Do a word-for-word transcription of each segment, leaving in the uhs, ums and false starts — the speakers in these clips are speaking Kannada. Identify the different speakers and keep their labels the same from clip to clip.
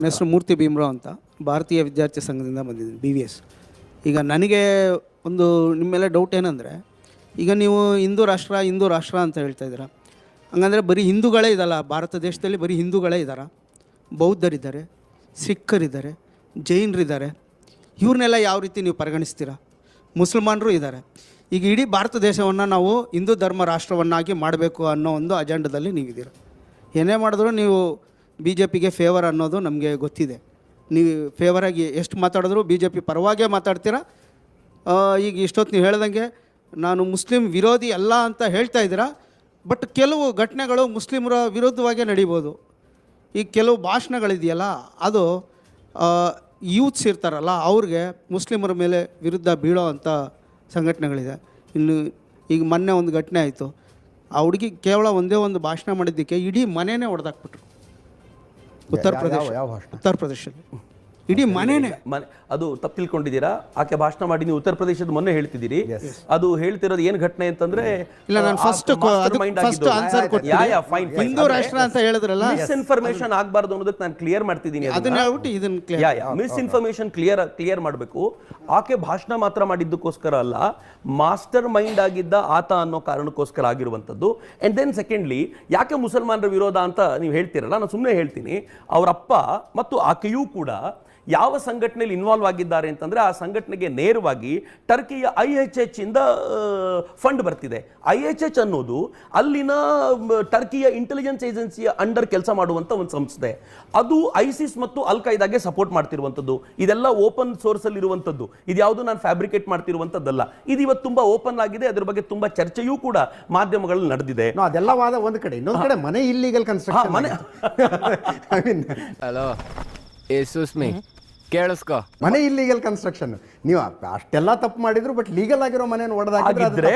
Speaker 1: ನನ್ನ ಹೆಸರು ಮೂರ್ತಿ ಭೀಮರಾವ್ ಅಂತ, ಭಾರತೀಯ ವಿದ್ಯಾರ್ಥಿ ಸಂಘದಿಂದ ಬಂದಿದ್ದೀನಿ, ಬಿ ವಿ ಎಸ್. ಈಗ ನನಗೆ ಒಂದು ನಿಮ್ಮ ಮೇಲೆ ಡೌಟ್ ಏನಂದರೆ, ಈಗ ನೀವು ಹಿಂದೂ ರಾಷ್ಟ್ರ ಹಿಂದೂ ರಾಷ್ಟ್ರ ಅಂತ ಹೇಳ್ತಾ ಇದ್ದೀರಾ. ಹಂಗಂದರೆ ಬರೀ ಹಿಂದೂಗಳೇ ಇದಲ್ಲ, ಭಾರತ ದೇಶದಲ್ಲಿ ಬರೀ ಹಿಂದೂಗಳೇ ಇದ್ದಾರೆ, ಬೌದ್ಧರಿದ್ದಾರೆ, ಸಿಖ್ಖರಿದ್ದಾರೆ, ಜೈನರಿದ್ದಾರೆ. ಇವ್ರನ್ನೆಲ್ಲ ಯಾವ ರೀತಿ ನೀವು ಪರಿಗಣಿಸ್ತೀರಾ? ಮುಸಲ್ಮಾನರು ಇದ್ದಾರೆ. ಈಗ ಇಡೀ ಭಾರತ ದೇಶವನ್ನು ನಾವು ಹಿಂದೂ ಧರ್ಮ ರಾಷ್ಟ್ರವನ್ನಾಗಿ ಮಾಡಬೇಕು ಅನ್ನೋ ಒಂದು ಅಜೆಂಡದಲ್ಲಿ ನೀವಿದ್ದೀರ. ಏನೇ ಮಾಡಿದ್ರು ನೀವು ಬಿ ಜೆ ಪಿಗೆ ಫೇವರ್ ಅನ್ನೋದು ನಮಗೆ ಗೊತ್ತಿದೆ. ನೀವು ಫೇವರಾಗಿ ಎಷ್ಟು ಮಾತಾಡಿದ್ರು ಬಿ ಜೆ ಪಿ ಪರವಾಗೇ ಮಾತಾಡ್ತೀರಾ. ಈಗ ಇಷ್ಟೊತ್ತು ನೀವು ಹೇಳ್ದಂಗೆ ನಾನು ಮುಸ್ಲಿಂ ವಿರೋಧಿ ಅಲ್ಲ ಅಂತ ಹೇಳ್ತಾ ಇದ್ದೀರಾ, ಬಟ್ ಕೆಲವು ಘಟನೆಗಳು ಮುಸ್ಲಿಮರ ವಿರುದ್ಧವಾಗೇ ನಡೀಬೋದು. ಈಗ ಕೆಲವು ಭಾಷಣಗಳಿದೆಯಲ್ಲ, ಅದು ಯೂತ್ಸ್ ಇರ್ತಾರಲ್ಲ ಅವ್ರಿಗೆ ಮುಸ್ಲಿಮರ ಮೇಲೆ ವಿರುದ್ಧ ಬೀಳೋ ಅಂಥ ಸಂಘಟನೆಗಳಿದೆ. ಇನ್ನು ಈಗ ಮೊನ್ನೆ ಒಂದು ಘಟನೆ ಆಯಿತು, ಆ ಹುಡುಗಿ ಕೇವಲ ಒಂದೇ ಒಂದು ಭಾಷಣ ಮಾಡಿದ್ದಕ್ಕೆ ಇಡೀ ಮನೆಯೇ ಹೊಡೆದಾಕ್ಬಿಟ್ರು. ಉತ್ತರ ಪ್ರದೇಶ ಉತ್ತರ ಪ್ರದೇಶದಲ್ಲಿ ಇಡೀ ಮನೆಯೇ
Speaker 2: ಮನೆ ಅದು ತಪ್ಪು ತಿಳ್ಕೊಂಡಿದ್ದೀರಾ. ಆಕೆ ಭಾಷಣ ಮಾಡಿ ನೀವು ಉತ್ತರ ಪ್ರದೇಶದ ಮೊನ್ನೆ ಹೇಳ್ತಿದ್ದೀರಿ. ಅದು ಹೇಳ್ತಿರೋದು ಏನು ಘಟನೆ ಅಂತಂದ್ರೆ,
Speaker 1: ಇಲ್ಲ ನಾನು ಫಸ್ಟ್ ಫಸ್ಟ್ ಆನ್ಸರ್ ಕೊಡ್ತೀನಿ. ಹಿಂದೂ ರಾಷ್ಟ್ರ ಅಂತ ಹೇಳಿದ್ರಲ್ಲ,
Speaker 2: ಮಿಸ್ ಇನ್ಫಾರ್ಮೇಶನ್ ಆಗಬಾರ್ದು ಅನ್ನೋದಕ್ಕೆ ನಾನು ಕ್ಲಿಯರ್ ಮಾಡ್ತಿದ್ದೀನಿ.
Speaker 1: ಅದನ್ನ ಹೇಳ್ಬಿಟ್ಟು ಇದನ್ನ
Speaker 2: ಮಿಸ್ ಇನ್ಫಾರ್ಮೇಶನ್ ಕ್ಲಿಯರ್ ಕ್ಲಿಯರ್ ಮಾಡಬೇಕು. ಆಕೆ ಭಾಷಣ ಮಾತ್ರ ಮಾಡಿದ್ದಕ್ಕೋಸ್ಕರ ಅಲ್ಲ, ಮಾಸ್ಟರ್ ಮೈಂಡ್ ಆಗಿದ್ದ ಆತ ಅನ್ನೋ ಕಾರಣಕ್ಕೋಸ್ಕರ ಆಗಿರುವಂಥದ್ದು. ಅಂಡ್ ದೆನ್ ಸೆಕೆಂಡ್ಲಿ, ಯಾಕೆ ಮುಸಲ್ಮಾನರ ವಿರೋಧ ಅಂತ ನೀವು ಹೇಳ್ತೀರಲ್ಲ, ನಾನು ಸುಮ್ಮನೆ ಹೇಳ್ತೀನಿ. ಅವರಪ್ಪ ಮತ್ತು ಆಕೆಯೂ ಕೂಡ ಯಾವ ಸಂಘಟನೆಯಲ್ಲಿ ಇನ್ವಾಲ್ವ್ ಆಗಿದ್ದಾರೆ ಅಂತಂದ್ರೆ, ಆ ಸಂಘಟನೆಗೆ ನೇರವಾಗಿ ಟರ್ಕಿಯ ಐ ಎಚ್ ಎಚ್ ಇಂದ ಫಂಡ್ ಬರ್ತಿದೆ. ಐ ಎಚ್ ಎಚ್ ಅನ್ನೋದು ಅಲ್ಲಿನ ಟರ್ಕಿಯ ಇಂಟೆಲಿಜೆನ್ಸ್ ಏಜೆನ್ಸಿಯ ಅಂಡರ್ ಕೆಲಸ ಮಾಡುವಂತ ಒಂದು ಸಂಸ್ಥೆ. ಅದು ಐಸಿಸ್ ಮತ್ತು ಅಲ್ ಖೈದಾಗೆ ಸಪೋರ್ಟ್ ಮಾಡ್ತಿರುವಂಥದ್ದು. ಇದೆಲ್ಲ ಓಪನ್ ಸೋರ್ಸ್ ಅಲ್ಲಿ ಇರುವಂಥದ್ದು. ಇದ್ಯಾವುದು ನಾನು ಫ್ಯಾಬ್ರಿಕೇಟ್ ಮಾಡ್ತಿರುವಂಥದ್ದಲ್ಲ. ಇದು ಇವತ್ತು ತುಂಬಾ ಓಪನ್ ಆಗಿದೆ. ಅದ್ರ ಬಗ್ಗೆ ತುಂಬಾ ಚರ್ಚೆಯೂ ಕೂಡ ಮಾಧ್ಯಮಗಳಲ್ಲಿ ನಡೆದಿದೆ.
Speaker 3: ಅದೆಲ್ಲ ವಾದ ಒಂದು ಕಡೆ, ಇನ್ನೊಂದು ಕಡೆ ಮನೆ ಇಲ್ಲಿಗಲ್ ಕನ್ಸ್ಟ್ರಕ್ಷನ್.
Speaker 2: ಮನೆ
Speaker 4: ಹಲೋ ಏಸುಸ್ಮಿ ಕೇಳಿಸ್ಕೊ,
Speaker 3: ಮನೆ ಇಲ್ಲಿಗಲ್ ಕನ್ಸ್ಟ್ರಕ್ಷನ್. ನೀವು ಅಷ್ಟೆಲ್ಲ ತಪ್ಪು ಮಾಡಿದ್ರು, ಬಟ್ ಲೀಗಲ್ ಆಗಿರೋ ಮನೆಯನ್ನು
Speaker 2: ಹೊಡೆದಾಕಿದ್ರೆ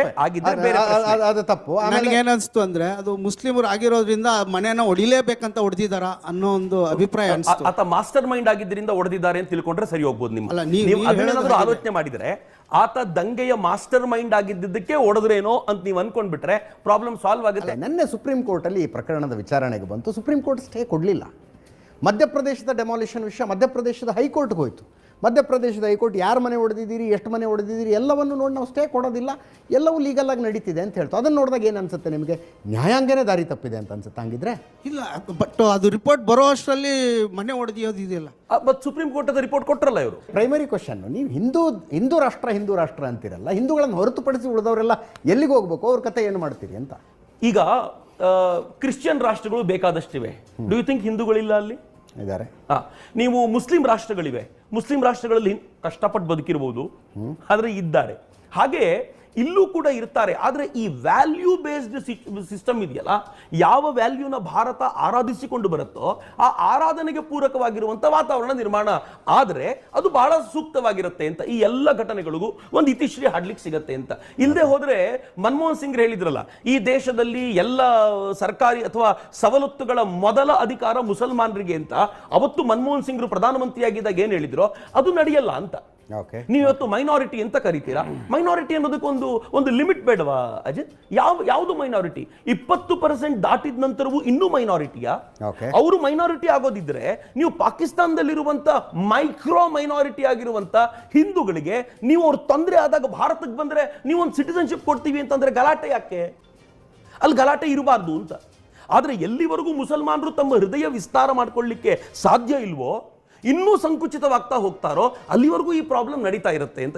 Speaker 3: ಅದು ತಪ್ಪು.
Speaker 1: ನನಗೆ ಏನಿಸ್ತು ಅಂದ್ರೆ, ಅದು ಮುಸ್ಲಿಮರು ಆಗಿರೋದ್ರಿಂದ ಮನೆಯನ್ನ ಹೊಡಿಲೇಬೇಕಂತ ಹೊಡೆದಿದ್ದಾರ ಅನ್ನೋ ಒಂದು ಅಭಿಪ್ರಾಯ ಅನಿಸ್ತು.
Speaker 2: ಆತ ಮಾಸ್ಟರ್ ಮೈಂಡ್ ಆಗಿದ್ದರಿಂದ ಹೊಡೆದಿದ್ದಾರೆ ಅಂತ ತಿಳ್ಕೊಂಡ್ರೆ ಸರಿ ಹೋಗ್ಬೋದು. ನಿಮ್ಮ ನೀವು ಅದನ್ನೇನಾದ್ರೂ ಆಲೋಚನೆ ಮಾಡಿದ್ರೆ, ಆತ ದಂಗೆಯ ಮಾಸ್ಟರ್ ಮೈಂಡ್ ಆಗಿದ್ದಕ್ಕೆ ಹೊಡೆದ್ರೇನೋ ಅಂತ ನೀವು ಅನ್ಕೊಂಡ್ಬಿಟ್ರೆ ಪ್ರಾಬ್ಲಮ್ ಸಾಲ್ವ್ ಆಗುತ್ತೆ.
Speaker 3: ನಿನ್ನೆ ಸುಪ್ರೀಂ ಕೋರ್ಟ್ ಅಲ್ಲಿ ಈ ಪ್ರಕರಣದ ವಿಚಾರಣೆಗೆ ಬಂತು. ಸುಪ್ರೀಂ ಕೋರ್ಟ್ ಸ್ಟೇ ಕೊಡಲಿಲ್ಲ. ಮಧ್ಯಪ್ರದೇಶದ ಡೆಮಾಲಿಷನ್ ವಿಷಯ ಮಧ್ಯಪ್ರದೇಶದ ಹೈಕೋರ್ಟ್ಗೆ ಹೋಯಿತು. ಮಧ್ಯಪ್ರದೇಶದ ಹೈಕೋರ್ಟ್ ಯಾರು ಮನೆ ಹೊಡೆದಿದ್ದೀರಿ, ಎಷ್ಟು ಮನೆ ಹೊಡೆದಿದ್ದೀರಿ ಎಲ್ಲವನ್ನು ನೋಡಿ ನಾವು ಸ್ಟೇ ಕೊಡೋದಿಲ್ಲ, ಎಲ್ಲವೂ ಲೀಗಲ್ ಆಗಿ ನಡೀತಿದೆ ಅಂತ ಹೇಳ್ತು. ಅದನ್ನು ನೋಡಿದಾಗ ಏನು ಅನ್ಸುತ್ತೆ ನಿಮಗೆ? ನ್ಯಾಯಾಂಗನೇ ದಾರಿ ತಪ್ಪಿದೆ ಅಂತ ಅನ್ಸುತ್ತೆ ಹಂಗಿದ್ರೆ?
Speaker 1: ಇಲ್ಲ, ಬಟ್ ಅದು ರಿಪೋರ್ಟ್ ಬರೋ ಅಷ್ಟರಲ್ಲಿ ಮನೆ ಹೊಡೆದಿಯೋದು ಇದೆಯಲ್ಲ.
Speaker 2: ಬಟ್ ಸುಪ್ರೀಂ ಕೋರ್ಟ್ ಅದ ರಿಪೋರ್ಟ್ ಕೊಟ್ಟರಲ್ಲ ಇವರು.
Speaker 3: ಪ್ರೈಮರಿ ಕ್ವಶನ್, ನೀವು ಹಿಂದೂ ಹಿಂದೂ ರಾಷ್ಟ್ರ ಹಿಂದೂ ರಾಷ್ಟ್ರ ಅಂತಿರಲ್ಲ, ಹಿಂದೂಗಳನ್ನು ಹೊರತುಪಡಿಸಿ ಉಳಿದವರೆಲ್ಲ ಎಲ್ಲಿಗೆ ಹೋಗ್ಬೇಕು, ಅವ್ರ ಕತೆ ಏನು ಮಾಡ್ತೀರಿ ಅಂತ.
Speaker 2: ಈಗ ಕ್ರಿಶ್ಚಿಯನ್ ರಾಷ್ಟ್ರಗಳು ಬೇಕಾದಷ್ಟಿವೆ. ಡೂ ಯು ಥಿಂಕ್ ಹಿಂದೂಗಳಿಲ್ಲ ಅಲ್ಲಿ
Speaker 3: ಇದ್ದಾರೆ?
Speaker 2: ನೀವು ಮುಸ್ಲಿಂ ರಾಷ್ಟ್ರಗಳಿವೆ, ಮುಸ್ಲಿಂ ರಾಷ್ಟ್ರಗಳಲ್ಲಿ ಕಷ್ಟಪಟ್ಟು ಬದುಕಿರಬಹುದು, ಆದ್ರೆ ಇದ್ದಾರೆ. ಹಾಗೆ ಇಲ್ಲೂ ಕೂಡ ಇರ್ತಾರೆ. ಆದರೆ ಈ ವ್ಯಾಲ್ಯೂ ಬೇಸ್ಡ್ ಸಿಸ್ಟಮ್ ಇದೆಯಲ್ಲ, ಯಾವ ವ್ಯಾಲ್ಯೂನ ಭಾರತ ಆರಾಧಿಸಿಕೊಂಡು ಬರುತ್ತೋ ಆ ಆರಾಧನೆಗೆ ಪೂರಕವಾಗಿರುವಂಥ ವಾತಾವರಣ ನಿರ್ಮಾಣ ಆದರೆ ಅದು ಬಹಳ ಸೂಕ್ತವಾಗಿರುತ್ತೆ ಅಂತ ಈ ಎಲ್ಲ ಘಟನೆಗಳಿಗೂ ಒಂದು ಇತಿಶ್ರೀ ಹಾಡ್ಲಿಕ್ಕೆ ಸಿಗತ್ತೆ ಅಂತ. ಇಲ್ಲದೆ ಹೋದ್ರೆ ಮನಮೋಹನ್ ಸಿಂಗ್ ಹೇಳಿದ್ರಲ್ಲ, ಈ ದೇಶದಲ್ಲಿ ಎಲ್ಲ ಸರ್ಕಾರಿ ಅಥವಾ ಸವಲತ್ತುಗಳ ಮೊದಲ ಅಧಿಕಾರ ಮುಸಲ್ಮಾನರಿಗೆ ಅಂತ. ಅವತ್ತು ಮನಮೋಹನ್ ಸಿಂಗ್ರು ಪ್ರಧಾನಮಂತ್ರಿಯಾಗಿದ್ದಾಗ ಏನ್ ಹೇಳಿದ್ರು, ಅದು ನಡೆಯಲ್ಲ ಅಂತ. ನೀವು ಇವತ್ತು ಮೈನಾರಿಟಿ ಅಂತ ಕರಿತೀರಾ. ಮೈನಾರಿಟಿ ಅನ್ನೋದಕ್ಕೊಂದು ಒಂದು ಲಿಮಿಟ್ ಬೇಡವಾ ಅಜಿತ್? ಯಾವ ಯಾವುದು ಮೈನಾರಿಟಿ? ಇಪ್ಪತ್ತು ಪರ್ಸೆಂಟ್ ದಾಟಿದ ನಂತರವೂ ಇನ್ನೂ ಮೈನಾರಿಟಿಯಾ? ಅವರು ಮೈನಾರಿಟಿ ಆಗೋದಿದ್ರೆ ನೀವು ಪಾಕಿಸ್ತಾನದಲ್ಲಿರುವಂತ ಮೈಕ್ರೋ ಮೈನಾರಿಟಿ ಆಗಿರುವಂತ ಹಿಂದೂಗಳಿಗೆ ನೀವು ಅವ್ರ ತೊಂದರೆ ಆದಾಗ ಭಾರತಕ್ಕೆ ಬಂದ್ರೆ ನೀವು ಒಂದು ಸಿಟಿಸನ್ಶಿಪ್ ಕೊಡ್ತೀವಿ ಅಂತಂದ್ರೆ ಗಲಾಟೆ ಯಾಕೆ? ಅಲ್ಲಿ ಗಲಾಟೆ ಇರಬಾರ್ದು ಅಂತ. ಆದ್ರೆ ಎಲ್ಲಿವರೆಗೂ ಮುಸಲ್ಮಾನರು ತಮ್ಮ ಹೃದಯ ವಿಸ್ತಾರ ಮಾಡ್ಕೊಳ್ಳಿಕ್ಕೆ ಸಾಧ್ಯ ಇಲ್ವೋ, ಇನ್ನೂ ಸಂಕುಚಿತವಾಗ್ತಾ ಹೋಗ್ತಾರೋ, ಅಲ್ಲಿವರೆಗೂ ಈ ಪ್ರಾಬ್ಲಮ್ ನಡೀತಾ ಇರುತ್ತೆ ಅಂತ.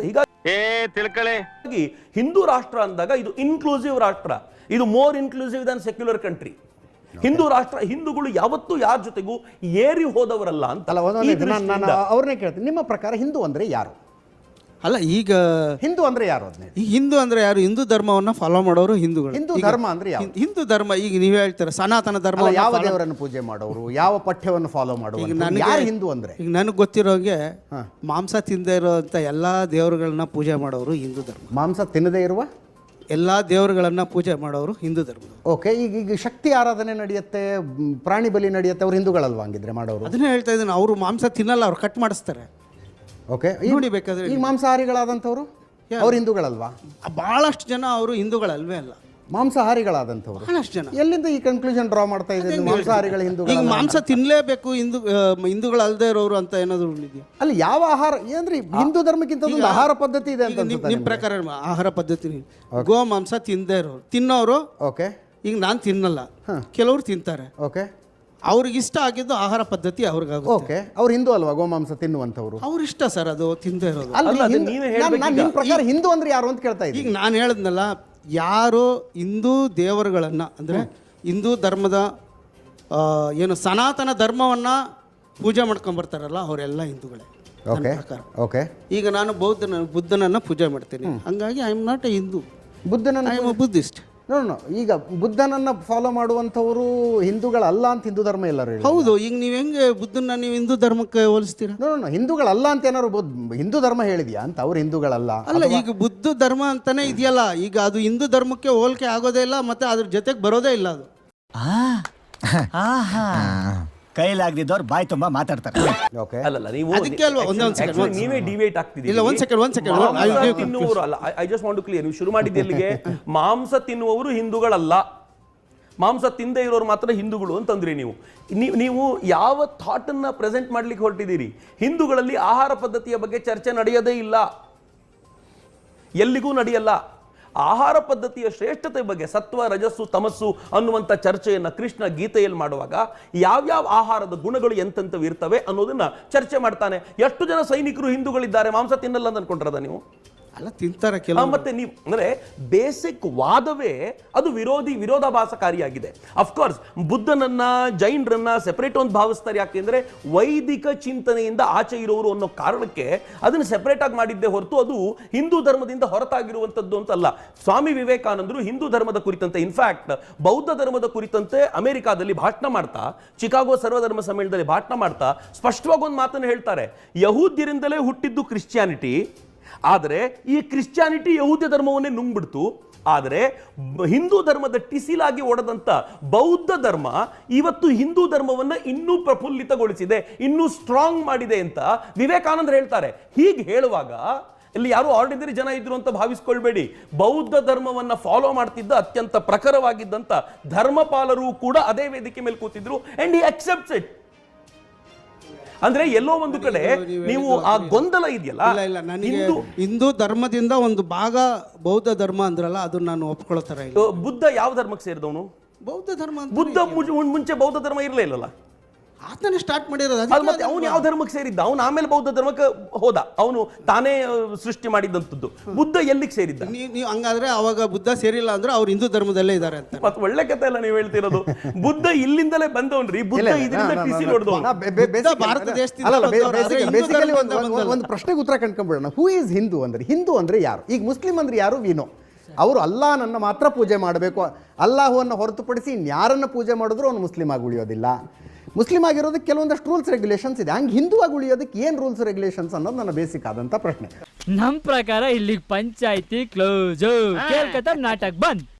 Speaker 2: ಹೀಗಾಗಿ ಹಿಂದೂ ರಾಷ್ಟ್ರ ಅಂದಾಗ ಇದು ಇನ್ಕ್ಲೂಸಿವ್ ರಾಷ್ಟ್ರ, ಇದು more inclusive than secular country. Hindu ರಾಷ್ಟ್ರ, ಹಿಂದೂಗಳು ಯಾವತ್ತೂ ಯಾರ ಜೊತೆಗೂ ಏರಿ ಹೋದವರಲ್ಲ ಅಂತ.
Speaker 3: ಅವ್ರನ್ನೇ ಕೇಳ್ತೀನಿ, ನಿಮ್ಮ ಪ್ರಕಾರ ಹಿಂದೂ ಅಂದ್ರೆ ಯಾರು?
Speaker 1: ಅಲ್ಲ, ಈಗ
Speaker 3: ಹಿಂದೂ ಅಂದ್ರೆ ಯಾರು? ಅದನ್ನೇ
Speaker 1: ಈ ಹಿಂದೂ ಅಂದ್ರೆ ಯಾರು? ಹಿಂದೂ ಧರ್ಮವನ್ನ ಫಾಲೋ ಮಾಡೋರು ಹಿಂದೂಗಳು.
Speaker 3: ಹಿಂದೂ ಧರ್ಮ ಅಂದ್ರೆ ಯಾರು?
Speaker 1: ಹಿಂದೂ ಧರ್ಮ ಈಗ ನೀವು ಹೇಳ್ತೀರ ಸನಾತನ ಧರ್ಮ,
Speaker 3: ಯಾವ ದೇವರನ್ನು ಪೂಜೆ ಮಾಡೋರು, ಯಾವ ಪಠ್ಯವನ್ನು ಫಾಲೋ ಮಾಡೋರು, ಯಾರು ಹಿಂದೂ ಅಂದ್ರೆ?
Speaker 1: ಈಗ ನನಗೆ ಗೊತ್ತಿರೋಂಗೆ ಮಾಂಸ ತಿಂದೇ ಇರೋಂಥ ಎಲ್ಲಾ ದೇವರುಗಳನ್ನ ಪೂಜೆ ಮಾಡೋರು ಹಿಂದೂ ಧರ್ಮ.
Speaker 3: ಮಾಂಸ ತಿನ್ನದೇ ಇರುವ
Speaker 1: ಎಲ್ಲಾ ದೇವರುಗಳನ್ನ ಪೂಜೆ ಮಾಡೋರು ಹಿಂದೂ ಧರ್ಮ.
Speaker 3: ಓಕೆ, ಈಗ ಈಗ ಶಕ್ತಿ ಆರಾಧನೆ ನಡೆಯುತ್ತೆ, ಪ್ರಾಣಿ ಬಲಿ ನಡೆಯುತ್ತೆ, ಅವ್ರು ಹಿಂದೂಗಳಲ್ವಾ ಹಂಗಿದ್ರೆ ಮಾಡೋರು?
Speaker 1: ಅದನ್ನೇ ಹೇಳ್ತಾ ಇದ್ದೀನಿ, ಅವರು ಮಾಂಸ ತಿನ್ನಲ್ಲ, ಅವ್ರು ಕಟ್ ಮಾಡಿಸ್ತಾರೆ.
Speaker 3: ಓಕೆ,
Speaker 1: ನೋಡಿ ಬೇಕಾದ್ರೆ
Speaker 3: ಈಗ ಮಾಂಸಾಹಾರಿಗಳಾದಂಥವ್ರು ಅವ್ರು ಹಿಂದೂಗಳಲ್ವಾ?
Speaker 1: ಬಹಳಷ್ಟು ಜನ ಅವರು ಹಿಂದೂಗಳಲ್ವೇ ಅಲ್ಲ.
Speaker 3: ಮಾಂಸಾಹಾರಿಗಳಾದಂಥವ್ರು
Speaker 1: ಬಹಳಷ್ಟು ಜನ.
Speaker 3: ಎಲ್ಲಿಂದ ಈ ಕನ್ಕ್ಲೂಷನ್ ಡ್ರಾ ಮಾಡ್ತಾ ಇದ್ದೀರಿ ಮಾಂಸಾಹಾರಿಗಳ ಹಿಂದೂ
Speaker 1: ಈಗ ಮಾಂಸ ತಿನ್ನಲೇಬೇಕು ಹಿಂದೂ ಆ, ಹಿಂದೂಗಳಲ್ಲದೆ ಇರೋರು ಅಂತ ಏನಾದರೂ ಇದೆಯಾ?
Speaker 3: ಅಲ್ಲಿ ಯಾವ ಆಹಾರ ಏನ್ರಿ ಹಿಂದೂ ಧರ್ಮಕ್ಕಿಂತ ಒಂದು ಆಹಾರ ಪದ್ಧತಿ ಇದೆ ಅಂತ
Speaker 1: ನಿಮ್ಮ ನಿಮ್ಮ ಪ್ರಕಾರ ಆಹಾರ ಪದ್ಧತಿ ಗೋ ಮಾಂಸ ತಿನ್ನದೇ ಇರೋರು ತಿನ್ನೋರು.
Speaker 3: ಓಕೆ,
Speaker 1: ಈಗ ನಾನು ತಿನ್ನಲ್ಲ, ಕೆಲವರು ತಿಂತಾರೆ.
Speaker 3: ಓಕೆ,
Speaker 1: ಅವ್ರಿಗೆ ಇಷ್ಟ ಆಗಿದ್ದು ಆಹಾರ ಪದ್ಧತಿ ಅವ್ರಿಗಾಗುತ್ತೆ.
Speaker 3: ಓಕೆ, ಅವ್ರು ಹಿಂದೂ ಅಲ್ವಾ ಗೋಮಾಂಸ ತಿನ್ನುವಂಥವ್ರು?
Speaker 1: ಅವ್ರ ಇಷ್ಟ ಸರ್, ಅದು ತಿಂದೇ ಇರೋದು.
Speaker 3: ಅಲ್ರಿ,
Speaker 2: ಅಲ್ಲ, ಅದನ್ನ
Speaker 3: ಹಿಂದೂ-
Speaker 2: ನೀವೇ
Speaker 3: ನಾನ್-
Speaker 2: ಹೇಳ್ಬೇಕು
Speaker 3: ನಾನ್
Speaker 2: ಈಗ.
Speaker 3: ನಿಮ್ ಪ್ರಕಾರ ಹಿಂದೂ ಅಂದ್ರೆ ಯಾರು ಅಂತ ಕೇಳ್ತಾ
Speaker 1: ಈಗ
Speaker 3: ಇದ್ದೀನಿ.
Speaker 1: ನಾನು ಹೇಳಿದ್ನಲ್ಲ, ಯಾರು ಹಿಂದೂ ದೇವರುಗಳನ್ನು ಅಂದರೆ ಹಿಂದೂ ಧರ್ಮದ ಆ, ಏನು ಸನಾತನ ಧರ್ಮವನ್ನು ಪೂಜೆ ಮಾಡ್ಕೊಂಬರ್ತಾರಲ್ಲ ಅವರೆಲ್ಲ ಹಿಂದೂಗಳೇ ನನ್ನ
Speaker 3: ಓಕೆ,
Speaker 1: ಪ್ರಕಾರ.
Speaker 3: ಓಕೆ.
Speaker 1: ಈಗ ನಾನು ಬೌದ್ಧನ ಬುದ್ಧನನ್ನು ಪೂಜೆ ಮಾಡ್ತೀನಿ, ಹಂಗಾಗಿ I am not a Hindu,
Speaker 3: ಬುದ್ಧನನ್ನ
Speaker 1: I am a Buddhist.
Speaker 3: No no ಈಗ ಬುದ್ಧನನ್ನ ಫಾಲೋ ಮಾಡುವಂಥವ್ರು ಹಿಂದೂಗಳಲ್ಲ ಅಂತ ಹಿಂದೂ ಧರ್ಮ ಎಲ್ಲರೂ ಹೇಳಿ.
Speaker 1: ಹೌದು, ಈಗ ನೀವು ಹೆಂಗೆ ಬುದ್ಧನ ನೀವು ಹಿಂದೂ ಧರ್ಮಕ್ಕೆ ಹೋಲಿಸ್ತೀರಾ?
Speaker 3: ನೋ ನೋ ಹಿಂದೂಗಳಲ್ಲ ಅಂತ ಏನಾದ್ರು ಬುದ್ಧ- ಹಿಂದೂ ಧರ್ಮ ಹೇಳಿದ್ಯಾ ಅಂತ? ಅವ್ರು ಹಿಂದೂಗಳಲ್ಲ.
Speaker 1: ಅಲ್ಲ, ಈಗ ಬುದ್ಧ ಧರ್ಮ ಅಂತಾನೆ ಇದೆಯಲ್ಲ, ಈಗ ಅದು ಹಿಂದೂ ಧರ್ಮಕ್ಕೆ ಹೋಲಿಕೆ ಆಗೋದೇ ಇಲ್ಲ, ಮತ್ತೆ ಅದ್ರ ಜೊತೆಗೆ ಬರೋದೇ ಇಲ್ಲ ಅದು.
Speaker 5: ಕೈಲಾಗ್ದಿದ್ದವ್ರು ಬಾಯಿ ತುಂಬಾ ಮಾತಾಡ್ತಾರೆ.
Speaker 3: ಓಕೆ,
Speaker 2: ಅಲ್ಲಲ್ಲ, ನೀವು
Speaker 1: ಅದಕ್ಕೆ ಅಲ್ವಾ ಒಂದೇ ಒಂದ್ second,
Speaker 2: actually
Speaker 1: ಒಂದ್
Speaker 2: ನೀವೇ ಡಿವೇಟ್ ಆಗ್ತಿದ್ದೀರಿ.
Speaker 1: ಇಲ್ಲ, ಒಂದ್ second, ಒಂದ್ second.
Speaker 2: ಮಾಂಸ
Speaker 1: I'll give
Speaker 2: ತಿನ್ನುವವರು ಅಲ್ಲ, I just want to clear. ನೀವು ಶುರು ಮಾಡಿದ್ದು ಎಲ್ಲಿಗೆ? ಮಾಂಸ ತಿನ್ನುವವರು ಹಿಂದೂಗಳಲ್ಲ, ಮಾಂಸ ತಿಂದೇ ಇರೋರು ಮಾತ್ರ ಹಿಂದೂಗಳು ಅಂತಂದ್ರಿ ನೀವು. ನೀವು ನೀವು ಯಾವ ಥಾಟ್ ಅನ್ನ ಪ್ರೆಸೆಂಟ್ ಮಾಡ್ಲಿಕ್ಕೆ ಹೊರಟಿದ್ದೀರಿ? ಹಿಂದೂಗಳಲ್ಲಿ ಆಹಾರ ಪದ್ಧತಿಯ ಬಗ್ಗೆ ಚರ್ಚೆ ನಡೆಯೋದೇ ಇಲ್ಲ, ಎಲ್ಲಿಗೂ ನಡೆಯಲ್ಲ. ಆಹಾರ ಪದ್ಧತಿಯ ಶ್ರೇಷ್ಠತೆ ಬಗ್ಗೆ, ಸತ್ವ ರಜಸ್ಸು ತಮಸ್ಸು ಅನ್ನುವಂಥ ಚರ್ಚೆಯನ್ನು ಕೃಷ್ಣ ಗೀತೆಯಲ್ಲಿ ಮಾಡುವಾಗ ಯಾವ್ಯಾವ ಆಹಾರದ ಗುಣಗಳು ಎಂತೆಂಥವು ಇರ್ತವೆ ಅನ್ನೋದನ್ನ ಚರ್ಚೆ ಮಾಡ್ತಾನೆ. ಎಷ್ಟು ಜನ ಸೈನಿಕರು ಹಿಂದೂಗಳಿದ್ದಾರೆ ಮಾಂಸ ತಿನ್ನಲ್ಲ ಅಂತ ಅನ್ಕೊಂಡ್ರದ ನೀವು?
Speaker 1: ಅಲ್ಲ, ತಿಂತಾರೆ
Speaker 2: ಆ,
Speaker 1: ಕೆಲವು.
Speaker 2: ಮತ್ತೆ ನೀವು ಅಂದ್ರೆ ಬೇಸಿಕ್ ವಾದವೇ ಅದು ವಿರೋಧಿ ವಿರೋಧಾಭಾಸಕಾರಿಯಾಗಿದೆ. ಅಫ್ಕೋರ್ಸ್ ಬುದ್ಧನನ್ನ ಜೈನರನ್ನ ಸೆಪರೇಟ್ ಒಂದು ಭಾವಿಸ್ತಾರೆ. ಯಾಕೆಂದ್ರೆ ವೈದಿಕ ಚಿಂತನೆಯಿಂದ ಆಚೆ ಇರೋರು ಅನ್ನೋ ಕಾರಣಕ್ಕೆ ಅದನ್ನು ಸೆಪರೇಟ್ ಆಗಿ ಮಾಡಿದ್ದೇ ಹೊರತು ಅದು ಹಿಂದೂ ಧರ್ಮದಿಂದ ಹೊರತಾಗಿರುವಂತದ್ದು ಅಂತಲ್ಲ. ಸ್ವಾಮಿ ವಿವೇಕಾನಂದರು ಹಿಂದೂ ಧರ್ಮದ ಕುರಿತಂತೆ, ಇನ್ಫ್ಯಾಕ್ಟ್ ಬೌದ್ಧ ಧರ್ಮದ ಕುರಿತಂತೆ ಅಮೆರಿಕಾದಲ್ಲಿ ಭಾಷಣ ಮಾಡ್ತಾ, ಚಿಕಾಗೋ ಸರ್ವಧರ್ಮ ಸಮ್ಮೇಳನದಲ್ಲಿ ಭಾಷಣ ಮಾಡ್ತಾ ಸ್ಪಷ್ಟವಾಗಿ ಒಂದು ಮಾತನ್ನು ಹೇಳ್ತಾರೆ. ಯಹೂದ್ಯರಿಂದಲೇ ಹುಟ್ಟಿದ್ದು ಕ್ರಿಶ್ಚಿಯಾನಿಟಿ, ಆದರೆ ಈ ಕ್ರಿಶ್ಚಿಯಾನಿಟಿ ಯಹೂದ್ಯ ಧರ್ಮವನ್ನೇ ನುಂಗ್ಬಿಡ್ತು. ಆದರೆ ಹಿಂದೂ ಧರ್ಮದ ಟಿಸಿಲಾಗಿ ಒಡೆದಂತ ಬೌದ್ಧ ಧರ್ಮ ಇವತ್ತು ಹಿಂದೂ ಧರ್ಮವನ್ನ ಇನ್ನೂ ಪ್ರಫುಲ್ಲಿತಗೊಳಿಸಿದೆ, ಇನ್ನೂ ಸ್ಟ್ರಾಂಗ್ ಮಾಡಿದೆ ಅಂತ ವಿವೇಕಾನಂದರು ಹೇಳ್ತಾರೆ. ಹೀಗೆ ಹೇಳುವಾಗ ಇಲ್ಲಿ ಯಾರು ಆರ್ಡಿನರಿ ಜನ ಇದ್ರು ಅಂತ ಭಾವಿಸ್ಕೊಳ್ಬೇಡಿ. ಬೌದ್ಧ ಧರ್ಮವನ್ನ ಫಾಲೋ ಮಾಡ್ತಿದ್ದ ಅತ್ಯಂತ ಪ್ರಖರವಾಗಿದ್ದಂತ ಧರ್ಮಪಾಲರು ಕೂಡ ಅದೇ ವೇದಿಕೆ ಮೇಲೆ ಕೂತಿದ್ರು, ಅಂಡ್ ಹಿ ಅಕ್ಸೆಪ್ಟ್ಸ್ ಇಟ್. ಅಂದ್ರೆ ಎಲ್ಲೋ ಒಂದು ಕಡೆ ನೀವು ಆ ಗೊಂದಲ ಇದೆಯಲ್ಲ.
Speaker 1: ಇಲ್ಲ ಇಲ್ಲ, ನನಗೆ ಹಿಂದೂ ಧರ್ಮದಿಂದ ಒಂದು ಭಾಗ ಬೌದ್ಧ ಧರ್ಮ ಅಂದ್ರಲ್ಲ, ಅದನ್ನ ನಾನು ಒಪ್ಕೊಳ್ತಾರ ಇಲ್ಲ.
Speaker 2: ಬುದ್ಧ ಯಾವ ಧರ್ಮಕ್ಕೆ ಸೇರಿದವನು?
Speaker 1: ಬೌದ್ಧ ಧರ್ಮ ಅಂತ
Speaker 2: ಬುದ್ಧ ಮುಂ- ಮುಂಚೆ ಬೌದ್ಧ ಧರ್ಮ ಇರಲೇ ಇಲ್ಲಲ್ಲ.
Speaker 1: ಆತನೇ ಸ್ಟಾರ್ಟ್ ಮಾಡಿರೋದು.
Speaker 2: ಅದು ಮತ್ತೆ ಅವನು ಯಾವ ಧರ್ಮಕ್ಕೆ ಸೇರಿದ್ದ? ಅವನು ಆಮೇಲೆ ಬೌದ್ಧ ಧರ್ಮಕ್ಕೆ ಹೋದ, ಅವನು ತಾನೇ ಆ, ಸೃಷ್ಟಿ ಮಾಡಿದಂಥದ್ದು. ಬುದ್ಧ ಎಲ್ಲಿಗೆ ಸೇರಿದ್ದ?
Speaker 1: ನೀವು ನೀವು ಹಂಗಾದ್ರೆ ಅವಾಗ ಬುದ್ಧ ಸೇರಿಲ್ಲ ಅಂದ್ರೆ ಅವ್ರು ಹಿಂದೂ ಧರ್ಮದಲ್ಲೇ ಇದ್ದಾರೆ ಅಂತ.
Speaker 2: ಮತ್ತೆ ಒಳ್ಳೆ ಕತೆ ಎಲ್ಲ ನೀವು ಹೇಳ್ತಿರೋದು. ಬುದ್ಧ ಇಲ್ಲಿಂದಲೇ ಬಂದವನ್ರಿ, ಬುದ್ಧ ಇದರಿಂದ ಟಿಸಿ ಹೊಡೆದವನು.
Speaker 1: ಭಾರತ ದೇಶದಿಂದ ಬಂದವರು, ಆದ್ರೆ ಹಿಂದೂ
Speaker 3: ಬೇಸಿಕಲಿ
Speaker 1: ಧರ್ಮದಿಂದ ಬಂದಲ್ಲ.
Speaker 3: ಒಂದು ಪ್ರಶ್ನೆಗೆ ಉತ್ತರ ಕಂಡ್ಕೊಂಡ್ಬಿಡೋಣ. ಹೂ ಈಸ್ ಹಿಂದೂ ಅಂದ್ರೆ? ಹಿಂದೂ ಅಂದ್ರೆ ಯಾರು? ಈಗ ಮುಸ್ಲಿಂ ಅಂದ್ರೆ ಯಾರು? ವಿನೋ ಅವರು ಅಲ್ಲಾಹನನ್ನು ಮಾತ್ರ ಪೂಜೆ ಮಾಡಬೇಕು, ಅಲ್ಲಾಹುವನ್ನು ಹೊರತುಪಡಿಸಿ ಇನ್ಯಾರನ್ನು ಪೂಜೆ ಮಾಡಿದ್ರು ಅವನು ಮುಸ್ಲಿಂ ಆಗಿ ಉಳಿಯೋದಿಲ್ಲ. ಮುಸ್ಲಿಂ ಆಗಿರೋದಕ್ಕೆ ಕೆಲವೊಂದಷ್ಟು ರೂಲ್ಸ್ ರೆಗ್ಯುಲೇಷನ್ಸ್ ಇದೆ. ಹಂಗೆ ಹಿಂದೂ ಆಗಿ ಉಳಿಯೋದಕ್ಕೆ ಏನು ರೂಲ್ಸ್ ರೆಗ್ಯುಲೇಷನ್ಸ್ ಅನ್ನೋದು ನನ್ನ ಬೇಸಿಕ್ ಆದಂಥ ಪ್ರಶ್ನೆ.
Speaker 6: ನಮ್ ಪ್ರಕಾರ ಇಲ್ಲಿಗೆ ಪಂಚಾಯ್ತಿ ಕ್ಲೋಸ್, ಕೇಳ್ಕತ್ತ ನಾಟಕ ಬಂದ್.